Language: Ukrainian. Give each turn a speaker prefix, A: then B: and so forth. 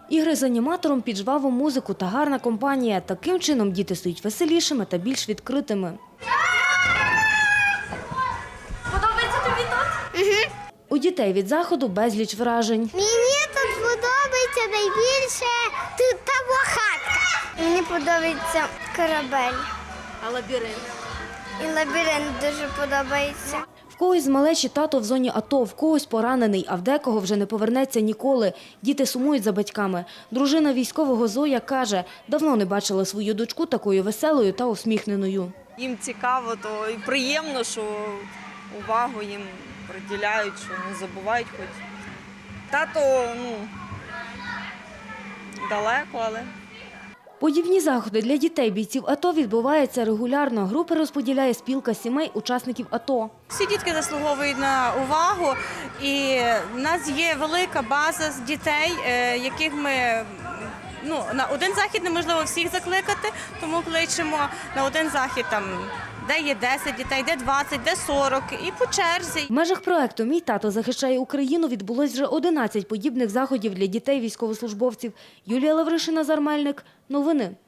A: Ігри з аніматором під жваву музику та гарна компанія. Таким чином діти стають веселішими та більш відкритими.
B: Подобається тобі тут?
A: У дітей від заходу безліч вражень.
C: Мені тут подобається найбільше тут та хатка. Мені подобається корабель.
B: А лабіринт?
C: І лабіринт дуже подобається.
A: В когось з малечі тато в зоні АТО, в когось поранений, а в декого вже не повернеться ніколи. Діти сумують за батьками. Дружина військового Зоя каже, давно не бачила свою дочку такою веселою та усміхненою.
D: Їм цікаво, то і приємно, що увагу їм приділяють, що не забувають хоч. Тато, далеко, але...
A: Подібні заходи для дітей бійців АТО відбуваються регулярно. Групи розподіляє спілка сімей учасників АТО.
E: Всі дітки заслуговують на увагу, і в нас є велика база з дітей, яких ми на один захід неможливо всіх закликати, тому кличемо на один захід де є 10 дітей, де 20, де 40 і по черзі.
A: В межах проекту «Мій тато захищає Україну» відбулось вже 11 подібних заходів для дітей військовослужбовців. Юлія Лавришина, Назар Мельник. Новини.